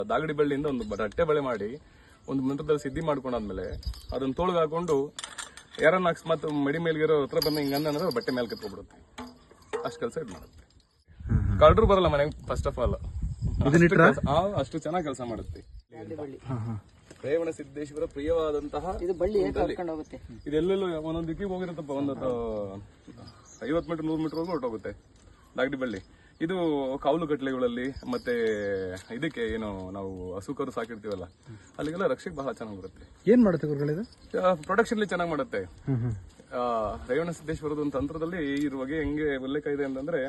ದಾಗಡಿ ಬಳ್ಳಿಯಿಂದ ಒಂದು ರಟ್ಟೆ ಬಳೆ ಮಾಡಿ ಒಂದು ಮಂತ್ರದಲ್ಲಿ ಸಿದ್ಧಿ ಮಾಡ್ಕೊಂಡಾದ್ಮೇಲೆ ಅದನ್ನ ತೋಳ್ಗೆ ಹಾಕೊಂಡು ಯಾರನ್ನ ಅಕಸ್ಮಾತ್ ಮಡಿ ಮೇಲ್ಗಿರೋ ಹತ್ರ ಬಂದ ಹಿಂಗ ಅಂದ್ರೆ ಬಟ್ಟೆ ಮೇಲೆ ಕತ್ಕೊಬಿಡುತ್ತೆ. ಅಷ್ಟು ಕೆಲಸ ಇದು ಮಾಡುತ್ತೆ. ಕಳ್ಳರು ಬರಲ್ಲ ಮನೆಗೆ ಫಸ್ಟ್ ಆಫ್ ಆಲ್. ಅಷ್ಟು ಚೆನ್ನಾಗಿ ಕೆಲಸ ಮಾಡುತ್ತೆ. ರೇವಣ ಸಿದ್ದೇಶ್ವರ ಪ್ರಿಯವಾದಂತಹ ಇದೆಲ್ಲೆಲ್ಲೂ ಒಂದೊಂದು ದಿಕ್ಕಿಗೆ ಹೋಗಿರುತ್ತಪ್ಪ. ಒಂದು 50 ಮೀಟರ್ 100 ಮೀಟರ್ ಹೋಗಿ ಹೊರಟೋಗುತ್ತೆ ದಾಗಡಿ ಬಳ್ಳಿ. ಇದು ಕಾವಲು ಕಟ್ಲೆಗಳಲ್ಲಿ ಮತ್ತೆ ಇದಕ್ಕೆ ಏನು ನಾವು ಹಸುಕರು ಸಾಕಿರ್ತೀವಲ್ಲ ಅಲ್ಲಿಗೆಲ್ಲ ರಕ್ಷೆಗೆ ಬಹಳ ಚೆನ್ನಾಗಿ ಬರುತ್ತೆ. ಏನ್ ಮಾಡುತ್ತೆ ಗುರುಗಳಿದು? ಪ್ರೊಡಕ್ಷನ್ ಚೆನ್ನಾಗಿ ಮಾಡುತ್ತೆ. ರೇವಣ ಸಿದ್ದೇಶ್ವರದ ಒಂದು ತಂತ್ರದಲ್ಲಿ ಇದ್ರ ಬಗ್ಗೆ ಹೆಂಗೆ ಉಲ್ಲೇಖ ಇದೆ ಅಂತಂದ್ರೆ,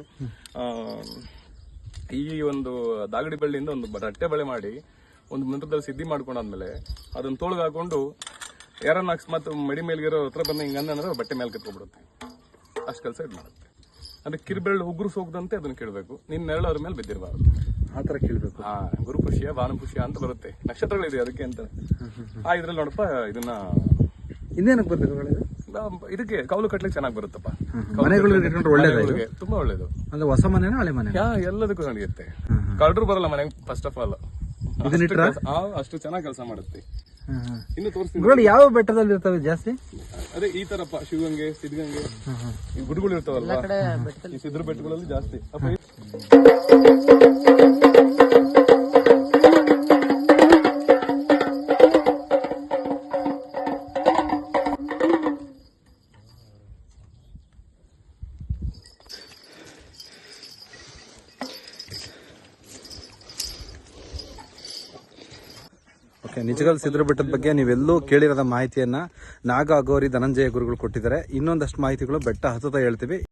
ಈ ಒಂದು ದಾಗಡಿ ಬಳ್ಳಿಯಿಂದ ಒಂದು ರಟ್ಟೆ ಬಳೆ ಮಾಡಿ ಒಂದು ಮಂತ್ರದಲ್ಲಿ ಸಿದ್ಧಿ ಮಾಡ್ಕೊಂಡಾದ್ಮೇಲೆ ಅದನ್ನ ತೋಳ್ಗೆ ಹಾಕೊಂಡು ಯಾರನ್ನ ಅಕಸ್ಮಾತ್ ಮಡಿ ಮೇಲ್ಗಿರೋ ಹತ್ರ ಬಂದ ಹಿಂಗ ಅಂದ್ರೆ ಬಟ್ಟೆ ಮೇಲೆ ಕತ್ಕೊಬಿಡುತ್ತೆ. ಅಷ್ಟು ಕೆಲಸ ಇದು ಮಾಡುತ್ತೆ. ಅಂದ್ರೆ ಕಿರ್ಬೆರಳು ಉಗುರು ಸೋಗದಂತೆ ಅದನ್ನ ಕೇಳಬೇಕು. ನಿನ್ನ ನೆರಳು ಅದ್ರ ಮೇಲೆ ಬಿದ್ದಿರಬಾರ್ದು. ಆತರ ಕೇಳಬೇಕು. ಗುರು ಪುಷ್ಯ ಭಾನು ಪುಷ್ಯ ಅಂತ ಬರುತ್ತೆ, ನಕ್ಷತ್ರಗಳಿದೆ ಅದಕ್ಕೆ ಅಂತ. ಇದ್ರಲ್ಲಿ ನೋಡಪ್ಪ ಇದನ್ನ ಇನ್ನೇನಕ್ಕೆ ಬರುತ್ತೆ? ಇದಕ್ಕೆ ಕೌಲು ಕಟ್ಲಿಕ್ಕೆ ಚೆನ್ನಾಗಿ ಬರುತ್ತಪ್ಪ. ಒಳ್ಳೇದು, ತುಂಬಾ ಒಳ್ಳೇದು. ಅಂದ್ರೆ ಹೊಸ ಮನೆನೋ ಹಳೆ ಮನೆ ಎಲ್ಲದಕ್ಕೂ ನಡೆಯುತ್ತೆ. ಕಳ್ಳರು ಬರಲ್ಲ ಮನೆಗೆ ಫಸ್ಟ್ ಆಫ್ ಆಲ್. ಅಷ್ಟು ಚೆನ್ನಾಗಿ ಕೆಲಸ ಮಾಡುತ್ತೆ. ಇನ್ನು ತೋರಿಸ್ತೀನಿ. ಯಾವ ಬೆಟ್ಟದಲ್ಲಿ ಇರ್ತವೆ ಜಾಸ್ತಿ? ಅದೇ ಈ ತರಪ್ಪ, ಶಿವಗಂಗೆ, ಸಿದ್ಧಗಂಗೆ, ಈ ಗುಡ್ಗಳು ಇರ್ತಾವಲ್ಲ, ಈ ಸಿದ್ರ ಬೆಟ್ಟಗಳಲ್ಲಿ ಜಾಸ್ತಿ. ನಿಜಗಲ್ ಸಿದ್ರ ಬೆಟ್ಟದ ಬಗ್ಗೆ ನೀವೆಲ್ಲೂ ಕೇಳಿರದ ಮಾಹಿತಿಯನ್ನ ನಾಗ ಅಗೋರಿ ಧನಂಜಯ ಗುರುಗಳು ಕೊಟ್ಟಿದ್ದಾರೆ. ಇನ್ನೊಂದಷ್ಟು ಮಾಹಿತಿಗಳು ಬೆಟ್ಟ ಹತ್ತುತ್ತಾ ಹೇಳ್ತೀವಿ.